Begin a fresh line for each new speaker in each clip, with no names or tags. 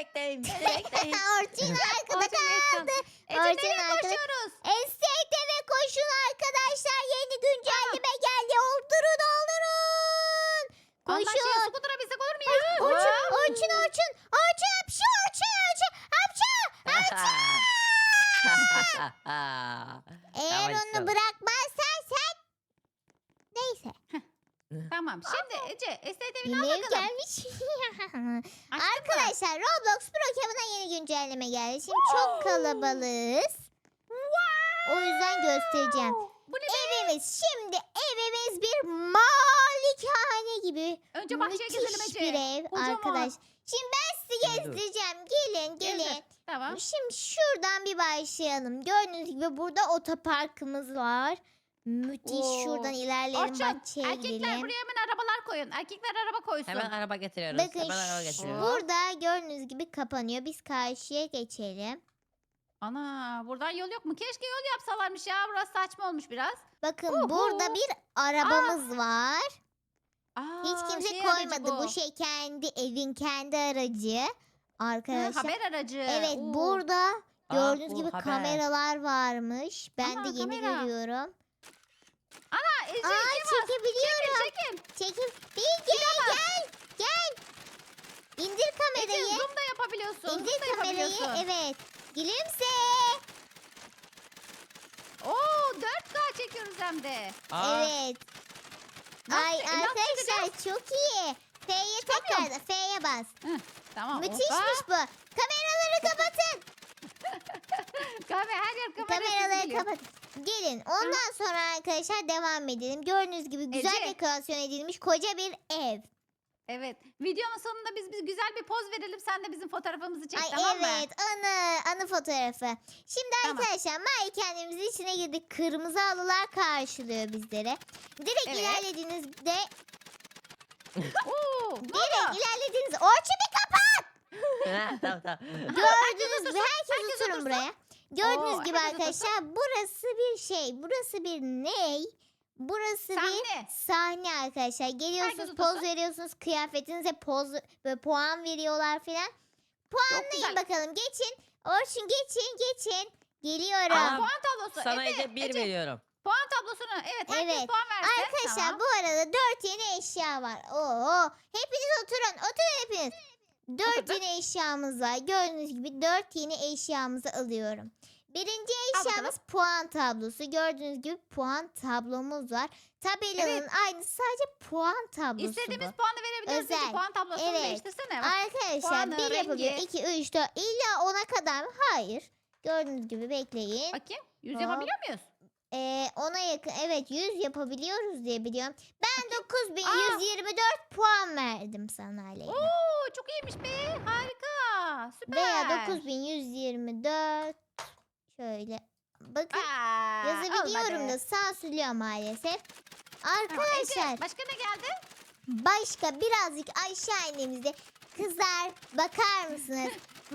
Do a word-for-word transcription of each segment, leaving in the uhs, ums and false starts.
bekleyin. Beni bekleyin.
Orçun arkada
Orçun geç
kaldı.
kaldı. Ece
Orçun
nereye
arkada.
koşuyoruz?
Estekte ve koşun arkadaşlar. Yeni güncelleme geldi. Oldurun oldurun.
Allah şey
Koşun.
skutura binsek olur mu ya?
Orçun, Orçun, Orçun. Orçun hapşu, Orçun, Orçun. Hapşu. Eğer
Tamam,
onu
tamam.
bırakmazsan sen... Neyse.
Tamam şimdi Ece estet evine al
Yemeğim
bakalım.
gelmiş.
Açtın mı?
Arkadaşlar Roblox Pro Cabin'a yeni güncelleme geldi. Şimdi çok kalabalığız. O yüzden göstereceğim.
Bu ne be?
Evimiz şimdi evimiz bir malikane gibi.
Önce bahçeye gezelim
Müthiş
Ece.
bir ev
Kocaman.
arkadaş. Şimdi ben sizi
Dur, dur.
gezdireceğim. Gelin gelin.
Gezdir. Tamam.
Şimdi şuradan bir başlayalım. Gördüğünüz gibi burada otoparkımız var. Müthiş.
Oo.
Şuradan ilerleyelim,
Orçun
bahçeye
erkekler
gidelim.
buraya hemen arabalar koyun. Erkekler araba koysun.
Hemen araba getiriyoruz.
Bakın
Hemen araba
şu-
getiriyoruz.
burada gördüğünüz gibi kapanıyor. Biz karşıya geçelim.
Ana buradan yol yok mu? Keşke yol yapsalarmış ya. Burası saçma olmuş biraz.
Bakın
Uhu.
burada bir arabamız var.
Aa,
Hiç kimse
şey aracı
koymadı. Bu. şey kendi evin kendi aracı.
Ha,
Arkadaşlar.
haber aracı.
Evet
Oo.
burada gördüğünüz
bu
gibi
haber.
kameralar varmış. Ben
Ana,
de yeni
kamera.
görüyorum.
Aa, Ece
Aa
iki var.
çekebiliyorum.
Çekin.
Çekim. Bilge gel. Gel. İndir
Ece
kamerayı.
zoom da yapabiliyorsun.
İndir
zoom da
kamerayı.
yapabiliyorsun.
Evet. Gülümse.
Oo dört K çekiyoruz hem de.
Aa,
Evet.
Nasıl-
Ay
e, nasıl
arkadaşlar çok iyi. F'ye
Çıkamıyorum.
tekrar F'ye bas.
Tamam.
Müthişmiş bu. Kameraları kapatın.
Kamera her yer kamera.
Kameraları
sesi geliyor.
kapatın. Gelin. Ondan sonra arkadaşlar devam edelim. Gördüğünüz gibi güzel
Ece.
dekorasyon edilmiş koca bir ev.
Evet. Videonun sonunda biz, biz güzel bir poz verelim. Sen de bizim fotoğrafımızı çek
Ay
tamam mı?
evet anı anı fotoğrafı. Şimdi
Tamam.
arkadaşlar malikanemizin içine girdik. Kırmızı halılar karşılıyor bizleri. Direkt
Evet.
ilerlediğinizde
Oo, ne
direkt
oldu?
ilerlediğinizde Orçun bir kapat.
tamam tamam.
Gördüğünüz gibi herkes
herkes
oturun
otursun.
buraya. Gördüğünüz
Oo,
gibi
herkes
arkadaşlar burası bir şey. Burası bir ney? Burası bir
Sahne.
sahne arkadaşlar. Geliyorsunuz
Herkes
poz
otursun.
veriyorsunuz. Kıyafetinize poz ve puan veriyorlar filan.
Çok
Puanlayın
güzel.
bakalım. Geçin. Orçun geçin geçin. Geliyorum.
Aa,
Aa,
puan tablosu.
Sana
Ece,
Ece bir
Ece,
veriyorum.
puan tablosunu. Evet herkes
Evet.
puan versin.
Arkadaşlar
Tamam.
bu arada dört yeni eşya var. Oo, hepiniz oturun. Oturun hepiniz. Dört
Oturduk.
yeni eşyamız var. Gördüğünüz gibi dört yeni eşyamızı alıyorum. Birinci
Al
eşyamız puan tablosu. Gördüğünüz gibi puan tablomuz var. Tabelanın
Evet.
aynısı, sadece puan tablosu
İstediğimiz
bu.
puanı verebiliyoruz. Ece.
Özel.
Puan tablosunu
Evet.
değiştirsene. Bak.
Arkadaşlar
puanı,
bir yapabiliyor.
rengi.
iki, üç, dört. İlla ona kadar mı? Hayır. Gördüğünüz gibi bekleyin.
Bakayım. Yüz
Hop.
yapabiliyor muyuz?
Ee, ona yakın. Evet yüz yapabiliyoruz diye biliyorum. Ben dokuz bin
Aa.
yüz yirmi dört puan verdim sana Aleyna.
Oo çok iyiymiş be. Harika. Süper.
Veya dokuz bin yüz yirmi dört. Şöyle. Bakın
Aa,
yazabiliyorum
olmadı.
da sansürlüyor maalesef.
Tamam,
Arkadaşlar
Ece, başka ne geldi?
başka birazcık aşağı indiğimizde kızlar bakar mısınız?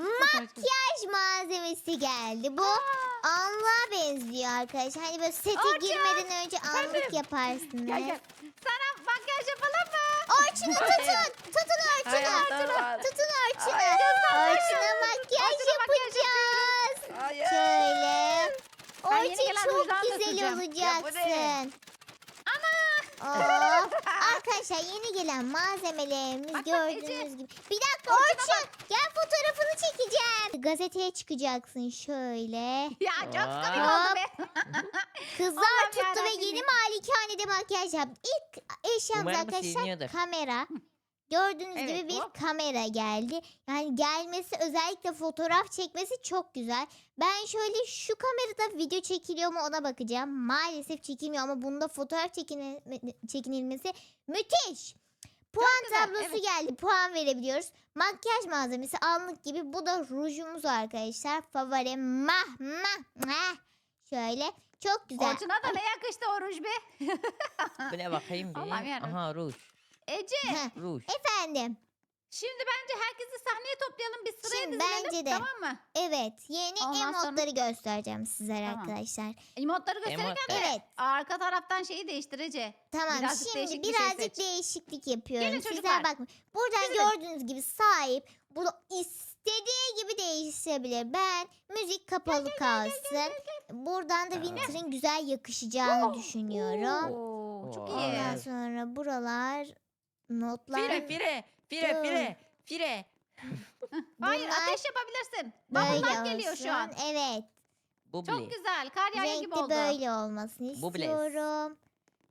Makyaj malzemesi geldi. Bu
Aa,
anlığa benziyor arkadaşlar. Hani böyle sete
Orçun,
girmeden önce anlık
efendim?
yaparsınız.
gel gel. Sana makyaj yapalım mı?
Orçun'u tutun. Tutun Orçun'u.
Hayatım var.
Tutun Orçun'u.
Hayır.
Orçun'a makyaj
Orçun'a makyaj
yapacağız.
Hayır.
Şöyle.
Ben yeni
Orçun
gelen
çok
rujdan da
güzel
süreceğim.
Ya bu ne?
olacaksın.
Ana.
Oo. Arkadaşlar yeni gelen malzemelerimiz
Bak, bak
gördüğünüz
Ece.
gibi. Bir dakika Orçun gel fotoğrafını çekeceğim. Gazeteye çıkacaksın şöyle.
Ya çok
Aa.
komik oldu be.
Kızlar
Allah'ım
tuttu ve
yarabbim.
yeni malikanede makyaj yaptı. İlk eşyamız
Umarım
arkadaşlar
siliniyordur.
kamera. Gördüğünüz
Evet,
gibi bir
hop.
kamera geldi. Yani gelmesi, özellikle fotoğraf çekmesi çok güzel. Ben şöyle şu kamerada video çekiliyor mu ona bakacağım. Maalesef çekilmiyor ama bunda fotoğraf çekine- çekinilmesi müthiş. Puan
güzel,
tablosu
evet.
geldi. Puan verebiliyoruz. Makyaj malzemesi allık gibi. Bu da rujumuz arkadaşlar. Favorim. Mah mah mah. Şöyle. Çok güzel.
Orçun'a da ne yakıştı o ruj be.
Bu ne bakayım bir.
Allah'ım yarabbim.
Aha ruj.
Ece
Heh,
Ruj.
efendim.
şimdi bence herkesi sahneye toplayalım. Biz sıraya
Şimdi
dizilelim.
bence de.
Tamam mı?
Evet. Yeni
Ondan sonra-
emotları göstereceğim sizlere
Tamam.
arkadaşlar.
Emotları gösterirken
Emot
de
Evet.
arka taraftan şeyi değiştir Ece.
Tamam
Birazcık
şimdi
değişik bir şey
birazcık
seç.
değişiklik yapıyorum.
Gelin
Sizler
çocuklar.
bakın. Buradan
Dizilelim.
gördüğünüz gibi sahip. Burada is istediği gibi değişebilir. Ben müzik kapalı kalsın. Buradan da
Aa.
Winter'ın güzel yakışacağını düşünüyorum.
Oo, çok
Oo,
iyi.
Ondan
evet.
sonra buralar notlar.
Fire fire fire
Dur.
fire fire.
Hayır
Bunlar
ateş yapabilirsin.
Böyle
Bubble geliyor şu an.
olsun. Evet.
Çok
Bubli.
güzel. Kar yağıyor gibi
Renkli
oldu.
böyle olmasını
Bu blaze.
istiyorum.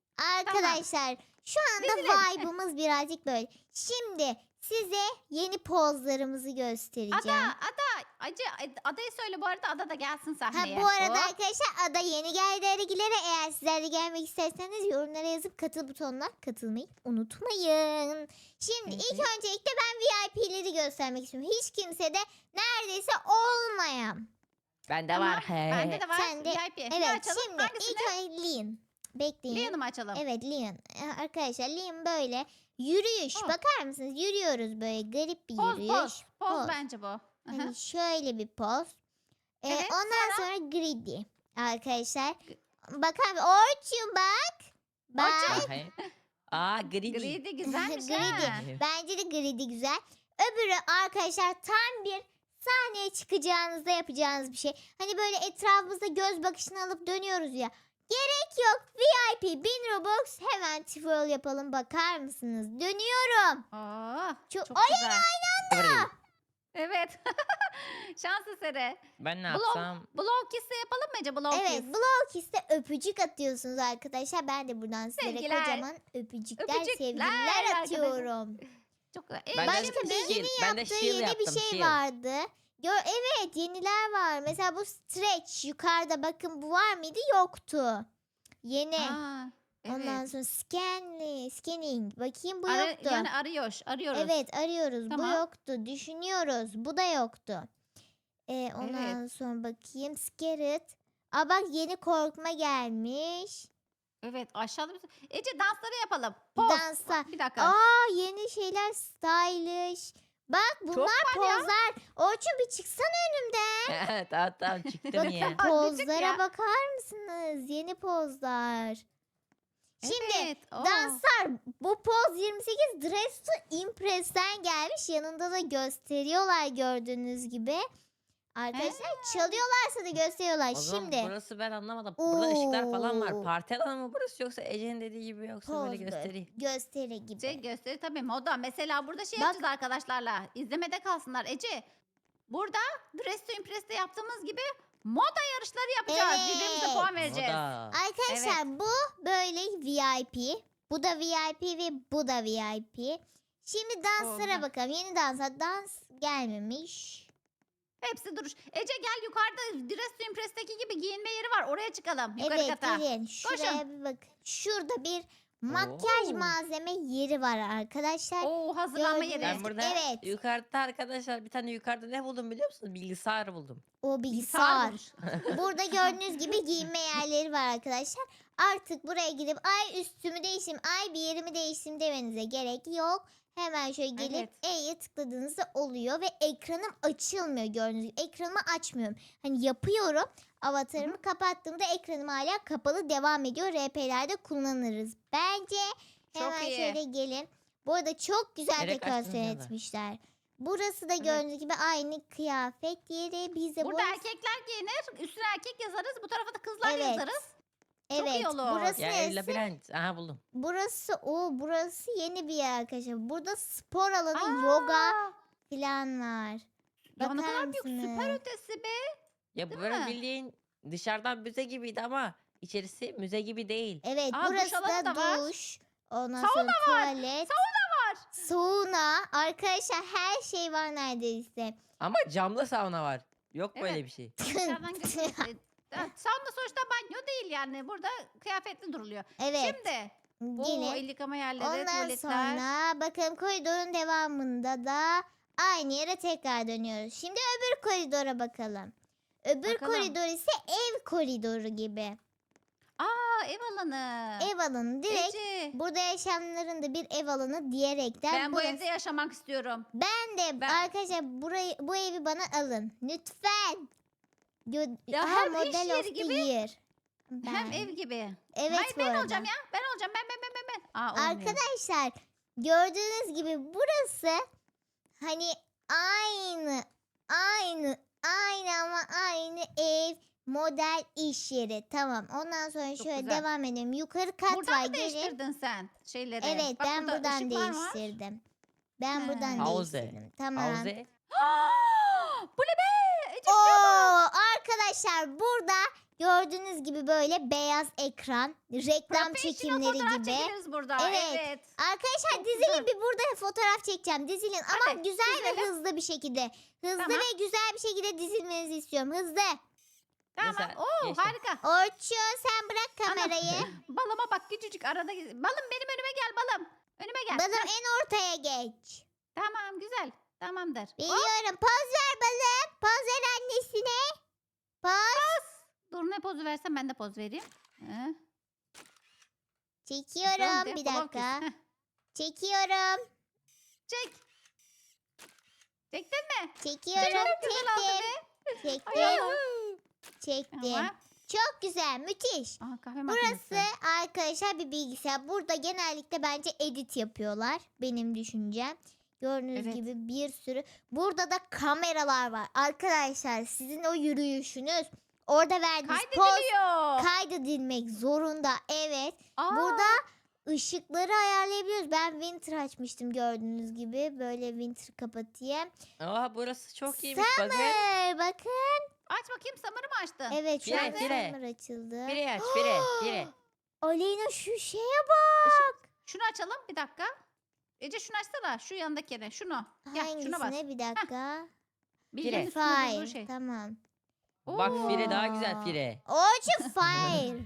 Arkadaşlar şu anda
Dizilim.
vibe'ımız birazcık böyle. Şimdi size yeni pozlarımızı göstereceğim.
Ada, Ada. Acı, adayı söyle bu arada. Ada da gelsin
Ha,
sahneye.
bu arada
Hop.
arkadaşlar Ada yeni geldi Ergilere. Eğer sizler de gelmek isterseniz yorumlara yazıp katıl butonuna katılmayı unutmayın. Şimdi
Hı
ilk
hı.
öncelikle ben V I P'leri göstermek istiyorum. Hiç kimse de neredeyse olmayan.
Bende
Tamam,
var. He.
Bende de var.
Sen de-
V I P. Ne
Evet
açalım?
şimdi
Hangisini?
ilk önce Leon. Bekleyin.
Leon'u mu açalım?
Evet Leon. Ee, Arkadaşlar Leon böyle yürüyüş.
Oh.
Bakar mısınız? Yürüyoruz böyle garip bir
Poz,
yürüyüş.
poz. Poz
Poz.
bence bu. Hı hı.
Hani şöyle bir poz. Ee,
Evet,
ondan sonra greedy. Arkadaşlar. Bakar mısın? Orçun bak. Bak.
Orçun.
Bakayım. Aa greedy.
Greedy güzelmiş
Greedy.
ha.
Bence de greedy güzel. Öbürü arkadaşlar tam bir sahneye çıkacağınızda yapacağınız bir şey. Hani böyle etrafımızda göz bakışını alıp dönüyoruz ya. Gerek yok. V I P bin Robux hemen twirl yapalım. Bakar mısınız? Dönüyorum.
Oo,
Çok-
çok
Ay,
güzel.
Greedy.
Evet. Şans eseri.
Ben ne
Blow,
yapsam?
blow kiss'le yapalım mı Ece? Blow
Evet,
kiss.
Blow Kiss'te öpücük atıyorsunuz arkadaşlar. Ben de buradan sizlere
Sevgiler.
kocaman öpücükler,
Öpücükler
sevgiler
arkadaşlar.
atıyorum.
Çok güzel. Ee,
Ben de
Başka
şimdi-
shield,
Bilge'nin
ben de
yaptığı
shield
yeni
yaptım,
bir şey
shield.
vardı. Gör, evet yeniler var. Mesela bu stretch yukarıda bakın bu var mıydı? Yoktu. Yeni.
Aa,
Ondan
evet.
sonra scanli, scanning. Bakayım bu
Ara-
yoktu.
yani arıyor, arıyoruz.
Evet arıyoruz.
Tamam.
Bu yoktu. Düşünüyoruz. Bu da yoktu. Ee, ondan sonra bakayım. Scared. Aa bak yeni korkma gelmiş.
Evet, aşağıda bir... Ece dansları yapalım. Poz.
Danslar.
Bir dakika.
Aa yeni şeyler stylish. Bak bunlar
var ya.
pozlar. Orçun bir çıksana önümden.
tamam tamam çıktım
Bakın
ya.
Aa,
pozlara
ya.
bakar mısınız? Yeni pozlar. Şimdi
Evet. oo.
danslar bu poz yirmi sekiz Dress to Impress'ten gelmiş. Yanında da gösteriyorlar gördüğünüz gibi. Arkadaşlar çalıyorlarsa da gösteriyorlar.
O zaman
Şimdi
burası ben anlamadım. Burada ışıklar falan
Oo.
var. Parti alanı mı burası yoksa Ece'nin dediği gibi yoksa
poz
böyle gösteri.
gösteri gibi.
Şey gösteri tabii moda. Mesela burada şey
Bak.
yapacağız arkadaşlarla. İzlemede kalsınlar. Ece burada Dress to Impress'te yaptığımız gibi moda yarışları yapacağız. Birbirimize
Evet.
puan vereceğiz.
Moda.
Arkadaşlar bu böyle V I P. Bu da V I P ve bu da V I P. Şimdi danslara
Oldu.
bakalım. Yeni danslar dans gelmemiş.
Hepsi duruş. Ece gel yukarıda Dress to Impress'teki gibi giyinme yeri var. Oraya çıkalım. Yukarı
Evet
kata.
gelin. Şuraya
Koşun.
bir bak. Şurada bir makyaj
Oo.
malzeme yeri var arkadaşlar.
Oo hazırlanma
Gördünüz
yeri.
Ben burada
Evet.
yukarıda arkadaşlar bir tane yukarıda ne buldum biliyor musunuz? Bilgisayar buldum.
O
Bilgisayar
bilgisayar.
bulmuş.
Burada gördüğünüz gibi giyinme yerleri var arkadaşlar. Artık buraya gidip ay üstümü değiştim, ay bir yerimi değiştim demenize gerek yok. Hemen şöyle gelip
Evet.
E'ye tıkladığınızda oluyor ve ekranım açılmıyor gördüğünüz gibi. Ekranımı açmıyorum. Hani yapıyorum. Avatarımı kapattığımda ekranım hala kapalı devam ediyor. R P'lerde kullanırız. Bence
Çok
hemen
iyi.
şöyle gelin. Bu arada çok güzel
Nereye
dekorasyon
kaçtınız ya da?
etmişler. Burası da gördüğünüz gibi aynı kıyafet yeri. Biz de
Burada
burası-
erkekler giyinir. Üstüne erkek yazarız. Bu tarafa da kızlar
Evet.
yazarız. Çok
Evet,
iyi olur.
burası
Ya
neresi?
labirent. Aha buldum.
Burası o, burası yeni bir yer arkadaşlar. Burada spor alanı,
Aa,
yoga falan var.
Ya ne
Bakar
kadar büyük süper
mısınız?
ötesi be.
Ya
Değil
böyle
mi?
bildiğin dışarıdan müze gibiydi ama içerisi müze gibi değil.
Evet,
Aa, duş
burası
alanı
da
da var.
duş. Ondan
Sauna
sonra
var.
tuvalet.
Sauna var.
Sauna. Arkadaşlar her şey var neredeyse.
Ama camlı sauna var. Yok
Evet.
böyle bir şey.
Dışarıdan gözüküyor. Ya, Sauna sonuçta banyo değil yani. Burada kıyafetli duruluyor.
Evet.
Şimdi. Oo,
Yine.
el yıkama yerleri,
Ondan
tuvaletler.
sonra bakın koridorun devamında da aynı yere tekrar dönüyoruz. Şimdi öbür koridora bakalım. Öbür
Bakalım.
koridor ise ev koridoru gibi.
Aa ev alanı.
Ev alanı direkt
Ece.
burada yaşayanların da bir ev alanı diyerekten
Ben bu
burası-
evde yaşamak istiyorum.
ben de
Ben-
arkadaşlar burayı bu evi bana alın lütfen. Gö-
Ya
Aha,
hem iş
model
yeri
of the
gibi,
year.
Hem
Ben.
ev gibi.
Evet
Hayır
bu
ben
arada.
olacağım ya. Ben olacağım. Ben ben ben ben ben. Aa, olmuyor.
Arkadaşlar gördüğünüz gibi burası hani aynı Aynı. Aynı ama aynı ev. Model iş yeri. Tamam. Ondan sonra
Çok
şöyle
güzel.
devam edelim. Yukarı kat
Buradan
var.
mı
Gelin.
değiştirdin sen şeyleri?
Evet,
Bak
ben
burada
buradan
ışıklar var.
değiştirdim. Ben
He.
buradan
Havuze.
değiştirdim. Tamam.
Havuze.
Bu ne be? Ece
Oo,
şuraya bak.
arkadaşlar burada gördüğünüz gibi böyle beyaz ekran, reklam
Professional
çekimleri
fotoğraf
gibi.
çekiliriz burada.
Evet.
Evet.
Arkadaşlar
Çok
dizilin
güzel.
bir burada fotoğraf çekeceğim. Dizilin ama
Hadi,
güzel ve
dizelim.
hızlı bir şekilde. Hızlı
Tamam.
ve güzel bir şekilde dizilmenizi istiyorum. Hızlı.
Tamam.
Mesela
Oo
geçtim.
harika.
Orçun sen bırak kamerayı.
Balıma bak küçücük arada. Balım benim önüme gel balım. Önüme gel.
Balım
Heh,
en ortaya geç.
Tamam güzel. Tamamdır. Hop,
Biliyorum. Poz ver balım. Poz ver annesine. Poz.
dur ne pozu versem ben de poz vereyim. Heh,
Çekiyorum.
güzel,
Bir
blok
dakika.
yüz. Heh,
Çekiyorum.
çek. Çektin mi?
Çekiyorum.
Çok güzel oldu
Çektim.
be. Ay
Çektim.
Allah.
Çektim.
Tamam.
Çok güzel. Müthiş.
Aha, kahve
Burası
makinesi.
arkadaşlar bir bilgisayar. Burada genellikle bence edit yapıyorlar. Benim düşüncem. Gördüğünüz
Evet.
gibi bir sürü. Burada da kameralar var. Arkadaşlar sizin o yürüyüşünüz. Orada verdiğiniz poz
Kaydediliyor.
kaydedilmek zorunda. Evet.
Aa,
Burada ışıkları ayarlayabiliyoruz. Ben winter açmıştım gördüğünüz gibi. Böyle winter kapatayım.
Aa, burası çok iyiymiş. Bakın.
Summer bakın.
aç bakayım samarı mı açtın?
Evet şu
Fire,
anda
fire.
summer açıldı.
Fire aç. Fire. Fire.
Aleyna şu şeye bak.
Şunu açalım bir dakika. Ece şunu açsana. Şu yandakine. Şunu. Gel şuna bas.
Hangisine bir dakika.
Bilge'nin
Fire.
üstünde durduğu
Fire.
şey.
Tamam.
Bak Fire daha
Oo.
güzel Fire.
Orçun fire.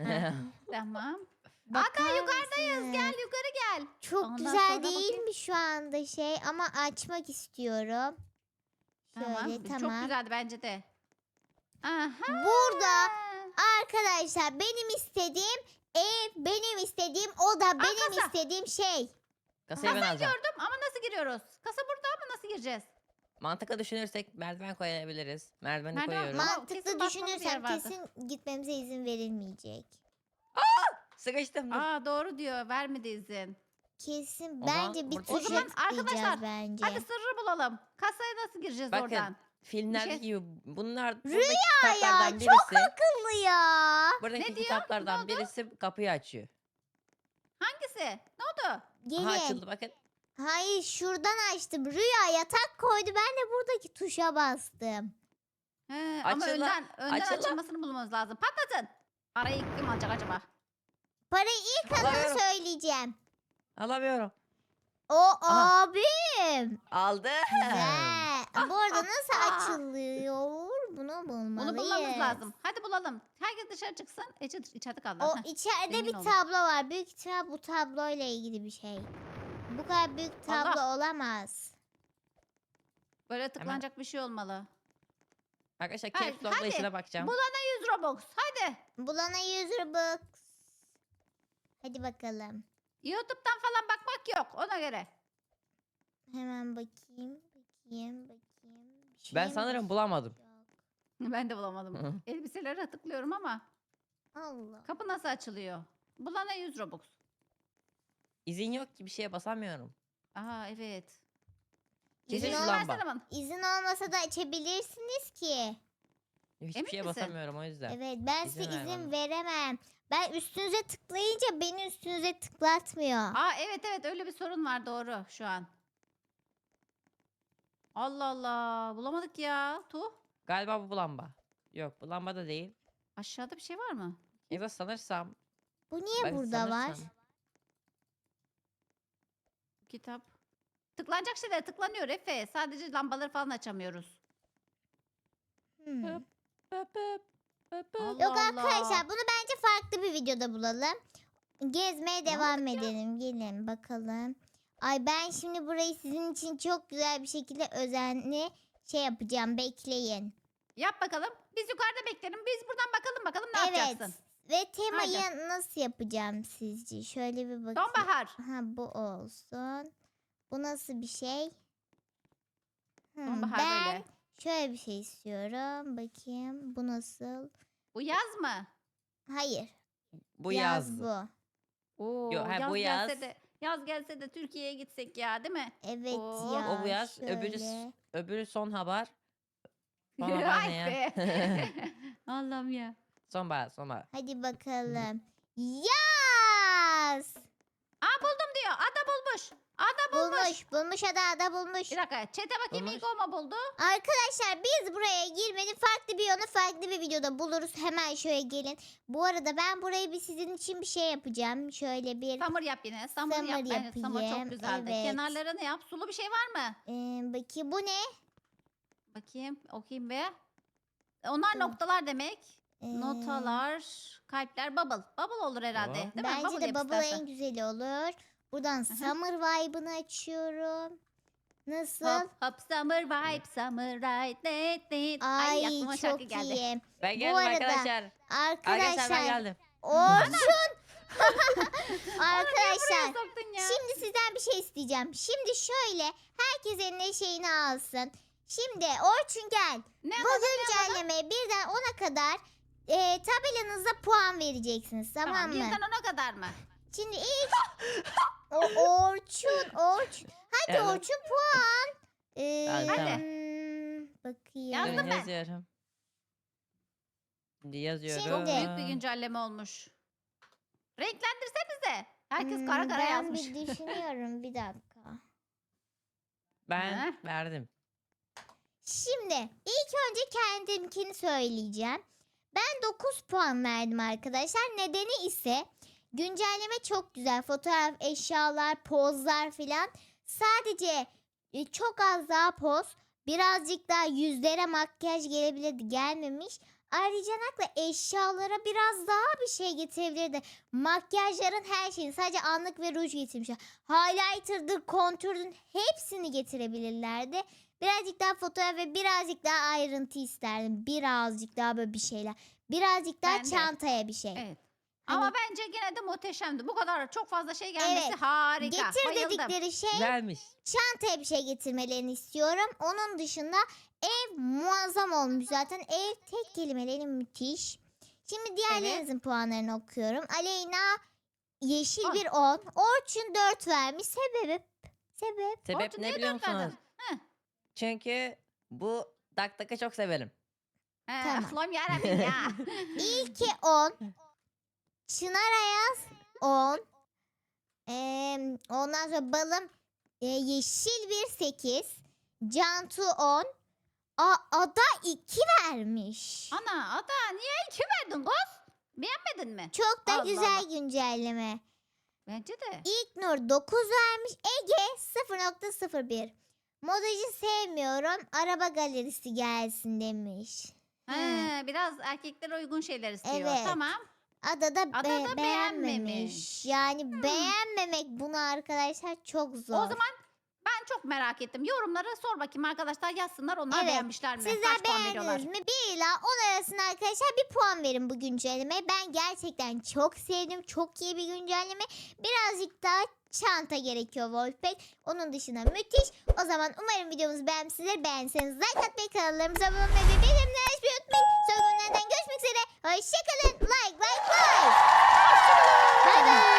Tamam.
Bakar
yukarıdayız.
mısın?
Gel yukarı gel.
Çok
Ondan
güzel
sonra
değil
bakayım.
mi şu anda şey ama açmak istiyorum. Şöyle
Tamam.
tamam.
Çok güzeldi bence de. Aha.
Burada arkadaşlar benim istediğim ev, benim istediğim oda, benim
kasa.
istediğim şey.
Kasayı ben alacağım.
Gördüm ama nasıl giriyoruz? Kasa burada ama nasıl gireceğiz?
Mantıklı düşünürsek merdiven koyabiliriz. Merdiveni
Merdiven-
koyuyoruz.
Ma-
Mantıklı
kesin basmamız yer
düşünürsem
vardı.
kesin gitmemize izin verilmeyecek.
Sıkıştım. Dur.
Aa doğru diyor. Vermedi izin.
Kesin
O zaman
bence bir
burada-
tuşa
O zaman
tıklayacağız
arkadaşlar,
bence.
Hadi sırrı bulalım. Kasaya nasıl gireceğiz
Bakın,
oradan?
Filmlerdeki
şey-
gibi bunlar buradaki
Rüya ya,
kitaplardan
çok
birisi.
akıllı ya.
Buradaki
Ne diyor? Ne
kitaplardan
oldu?
birisi kapıyı açıyor.
Hangisi? Ne oldu?
Gelin.
Aha, açıldı bakın.
Hayır şuradan açtım. Rüya yatak koydu. Ben de buradaki tuşa bastım.
He, ama
Açıla,
önden, önden
açıla.
açılmasını bulmamız lazım. Patlatın. Parayı kim alacak acaba?
Parayı ilk hanım
Alamıyorum.
söyleyeceğim.
Alamıyorum.
O
Aha.
abim.
Aldı.
Güzel. Bu arada nasıl açılıyor? Bunu bulmalıyız.
Bunu bulmamız lazım. Hadi bulalım. Herkes dışarı çıksın. Ece içeride kaldı.
O
Heh.
içeride
zengin
bir
olduk.
tablo var. Büyük ihtimal bu tabloyla ilgili bir şey. Bu kadar büyük tablo
Allah.
olamaz.
Böyle tıklanacak bir şey olmalı.
Arkadaşlar
Hadi,
caps lock'la
hadi.
işine bakacağım.
Bulana yüz Robux. Hadi.
Bulana yüz Robux. Hadi bakalım.
YouTube'dan falan bakmak yok ona göre.
Hemen bakayım. Bakayım. Bakayım. Bir şey
Ben
mi
sanırım bulamadım.
yok?
Ben de bulamadım. Elbiselere tıklıyorum ama
Allah.
kapı nasıl açılıyor? Bulana yüz Robux.
İzin yok ki bir şeye basamıyorum.
Aa evet.
Kesin
İzin
şu
ol-
lamba.
versene bana.
İzin olmasa da açabilirsiniz ki.
Hiçbir
Emin
şeye
misin?
basamıyorum o yüzden.
Evet ben
İzin
size
ver
izin
bana.
veremem. Ben üstünüze tıklayınca beni üstünüze tıklatmıyor.
Aa evet evet öyle bir sorun var doğru şu an. Allah Allah bulamadık ya. Tuh.
Galiba bu lamba. Yok bu lamba da değil.
Aşağıda bir şey var mı?
Ya da sanırsam.
Bu niye
ben
burada var?
sanırsam-
Kitap. Tıklanacak şeyler tıklanıyor Efe. Sadece lambaları falan açamıyoruz.
Hmm.
Hop, hop, hop, hop, hop.
Allah
Yok
Allah.
arkadaşlar bunu bence farklı bir videoda bulalım. Gezmeye devam
Bulamadık ya.
edelim. Gelin bakalım. Ay ben şimdi burayı sizin için çok güzel bir şekilde özenli şey yapacağım. Bekleyin.
Yap bakalım. Biz yukarıda bekleyelim. Biz buradan bakalım bakalım ne
Evet.
yapacaksın?
Ve temayı nasıl yapacağım sizce? Şöyle bir bakayım.
Sonbahar.
Ha bu olsun. Bu nasıl bir şey? Hmm,
Sonbahar
ben
böyle.
şöyle bir şey istiyorum. Bakayım bu nasıl?
Bu yaz mı?
Hayır.
Bu
yaz
yazdı.
bu.
Oo,
Yo, ha,
yaz
bu
gelse
yaz.
de yaz gelse de Türkiye'ye gitsek ya değil mi?
Evet
Oo,
ya.
O bu yaz. Öbürü,
şöyle.
öbürü sonbahar. Sonbahar
Ay
ne ya?
be. Allah'ım ya.
Sonbahar sonbahar.
Hadi bakalım. Yaz.
Aa buldum diyor. Ada bulmuş. Ada bulmuş.
Bulmuş. Bulmuş ada ada bulmuş.
Bir dakika. Çete bakayım
Bulmuş.
ilk o mu buldu?
Arkadaşlar biz buraya girmenin farklı bir yolu farklı bir videoda buluruz. Hemen şöyle gelin. Bu arada ben burayı bir sizin için bir şey yapacağım. Şöyle bir
Samur yap yine. Samur,
Samur
yap. Bence samur
yapayım,
çok güzeldi.
evet.
Kenarlarını yap. Sulu bir şey var mı?
e, bakayım bu ne?
Bakayım. Okuyayım be. Onlar
Dur.
noktalar demek.
Ee,
Notalar, kalpler, bubble. Bubble olur herhalde.
Tamam.
Değil mi?
Bence de
yap
bubble
istersen.
en güzeli olur. Buradan
hı.
summer vibe'ını açıyorum. Nasıl?
Hop hop summer vibe, summer ride. Net, net. Ay,
Ay
aklıma şarkı
çok
geldi.
iyi.
Ben
Bu
geldim
arada
arkadaşlar. Arkadaşlar ben
Arkadaşlar
geldim.
Orçun.
Buraya
Arkadaşlar
soktun ya.
şimdi sizden bir şey isteyeceğim. Şimdi şöyle herkes eline şeyini alsın. Şimdi Orçun gel.
Ne
Bu
alalım?
güncellemeye birden ona kadar e, tabelanıza puan vereceksiniz, tamam,
Tamam,
mı?
birden ona kadar mı?
Şimdi ilk o, Orçun, Orçun. Hadi
Evet.
Orçun puan. Ee,
Hadi,
tamam.
hmm, bakayım.
Yazdım
Durun,
ben.
yazıyorum. Şimdi yazıyorum.
Şimdi-
Büyük bir güncelleme olmuş. Renklendirsenize. Herkes
Hmm,
kara kara
ben
yazmış.
bir düşünüyorum bir dakika.
Ben
Heh.
verdim.
Şimdi ilk önce kendimkini söyleyeceğim. Ben dokuz puan verdim arkadaşlar. Nedeni ise güncelleme çok güzel. Fotoğraf, eşyalar, pozlar filan. Sadece e, çok az daha poz. Birazcık daha yüzlere makyaj gelebilirdi, gelmemiş. Ayrıca nakla eşyalara biraz daha bir şey getirebilirdi. Makyajların her şeyini, sadece anlık ve ruj getirmişler. Highlighter'dır, kontürdür, hepsini getirebilirlerdi. Birazcık daha fotoğraf ve birazcık daha ayrıntı isterdim. Birazcık daha böyle bir şeyler. Birazcık daha
Ben de.
çantaya bir şey.
Evet.
Hani-
Ama bence gene de muhteşemdi. Bu kadar çok fazla şey gelmesi
Evet.
harika.
Getir
Bayıldım.
dedikleri şey
Güzelmiş.
çantaya bir şey getirmelerini istiyorum. Onun dışında ev muazzam olmuş zaten. Ev tek kelimeleri müthiş. Şimdi diğerlerinizin puanlarını okuyorum. Aleyna yeşil
On.
bir on. Orçun dört vermiş. Sebebi? Sebep?
Sebep
Orçun
ne
niye
biliyor
dört verdin?
musunuz?
Heh.
Çünkü bu dak takı çok severim.
He,
Tamam.
Allah'ım yarabbim ya.
İlki on. Çınar Ayaz on. Ee, ondan sonra balım e, yeşil bir sekiz. Cantu on. A, Ada iki vermiş.
Ana Ada niye iki verdin kız? Beğenmedin mi?
Çok da
Allah
güzel
Allah.
güncelleme.
Bence de.
İlknur dokuz vermiş. Ege sıfır nokta sıfır bir. Modacı sevmiyorum. Araba galerisi gelsin demiş.
He, biraz erkeklere uygun şeyler istiyor.
Evet.
Tamam.
Ada da,
Ada
be-
da
beğenmemiş.
beğenmemiş.
Yani beğenmemek bunu arkadaşlar çok zor.
O zaman ben çok merak ettim. Yorumlara sor bakayım arkadaşlar yazsınlar. Onlar
Evet.
beğenmişler mi?
Sizler
Kaç puan veriyorlar?
beğendiniz mi? bir ila on arasında arkadaşlar bir puan verin bu güncellemeye. Ben gerçekten çok sevdim. Çok iyi bir güncelleme. Birazcık daha çanta gerekiyor Wolfpack. Onun dışında müthiş. O zaman umarım videomuzu beğenmişsinizdir. Beğenseniz like atmayı, kanallarımıza abone olmayı ve bildirimleri açmayı unutmayın. Sonraki günlerden görüşmek üzere. Hoşçakalın. Like like like. Bye bye.